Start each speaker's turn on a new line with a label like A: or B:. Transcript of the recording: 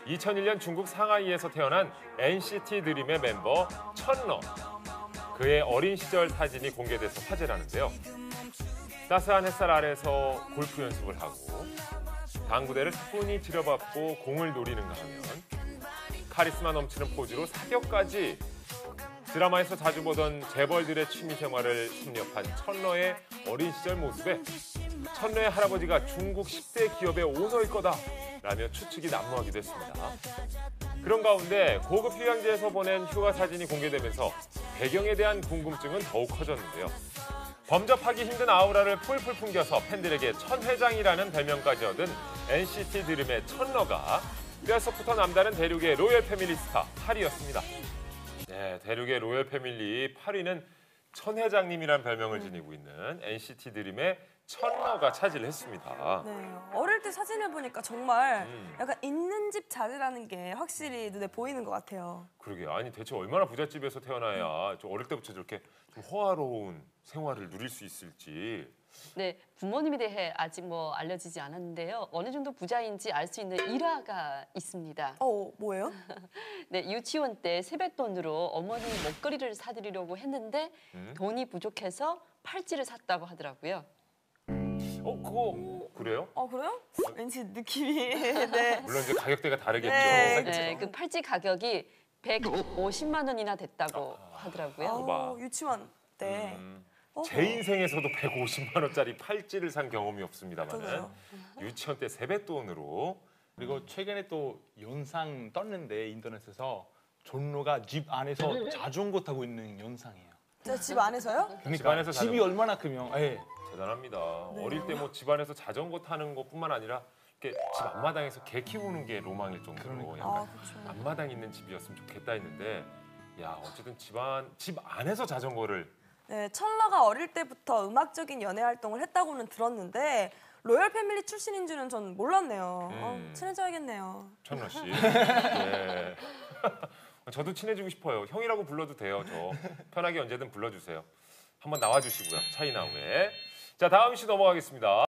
A: 2001년 중국 상하이에서 태어난 NCT 드림의 멤버 천러. 그의 어린 시절 사진이 공개돼서 화제라는데요. 따스한 햇살 아래서 골프 연습을 하고 당구대를 차분히 들여받고 공을 노리는가 하면 카리스마 넘치는 포즈로 사격까지. 드라마에서 자주 보던 재벌들의 취미 생활을 섭렵한 천러의 어린 시절 모습에 천러의 할아버지가 중국 10대 기업의 오너일 거다라며 추측이 난무하기도 했습니다. 그런 가운데 고급 휴양지에서 보낸 휴가 사진이 공개되면서 배경에 대한 궁금증은 더욱 커졌는데요. 범접하기 힘든 아우라를 풀풀 풍겨서 팬들에게 천회장이라는 별명까지 얻은 NCT 드림의 천러가 뼛속부터 남다른 대륙의 로열 패밀리 스타 8위였습니다. 네, 대륙의 로열 패밀리 8위는 천회장님이라는 별명을 지니고 있는 NCT 드림의 천러가 차지를 했습니다.
B: 네, 어릴 때 사진을 보니까 정말 약간 있는 집 자제라는 게 확실히 눈에 보이는 것 같아요.
A: 그러게요. 아니 대체 얼마나 부잣집에서 태어나야 좀 어릴 때부터 저렇게 좀 호화로운 생활을 누릴 수 있을지.
C: 네, 부모님에 대해 아직 알려지지 않았는데요. 어느 정도 부자인지 알 수 있는 일화가 있습니다.
B: 뭐예요?
C: 네, 유치원 때 세뱃돈으로 어머니 목걸이를 사드리려고 했는데 돈이 부족해서 팔찌를 샀다고 하더라고요.
A: 그거 그래요?
B: 그래요? 왠지 느낌이 네.
A: 물론 이제 가격대가 다르겠죠.
C: 네, 그 팔찌 가격이 150만 원이나 됐다고 하더라고요.
B: 유치원 때.
A: 제 인생에서도 150만 원짜리 팔찌를 산 경험이 없습니다만 유치원 때 세뱃돈으로.
D: 그리고 최근에 또 영상 떴는데 인터넷에서 존로가 집 안에서 자전거 타고 있는 영상이에요.
B: 집 안에서요?
D: 그러니까
A: 집 안에서
D: 집이
A: 자전거.
D: 얼마나 크면
A: 대단합니다.
B: 네.
A: 어릴 때 집안에서 자전거 타는 것뿐만 아니라 이렇게 집 앞마당에서 개 키우는 게 로망일 정도로 약간
B: 그렇죠.
A: 앞마당 있는 집이었으면 좋겠다 했는데, 야 어쨌든 집 안에서 자전거를.
B: 네, 천러가 어릴 때부터 음악적인 연애 활동을 했다고는 들었는데 로열 패밀리 출신인 줄은 전 몰랐네요. 친해져야겠네요.
A: 천러 씨. 네. 저도 친해지고 싶어요. 형이라고 불러도 돼요. 저 편하게 언제든 불러주세요. 한번 나와주시고요. 차이나우에. 자, 다음 이슈 넘어가겠습니다.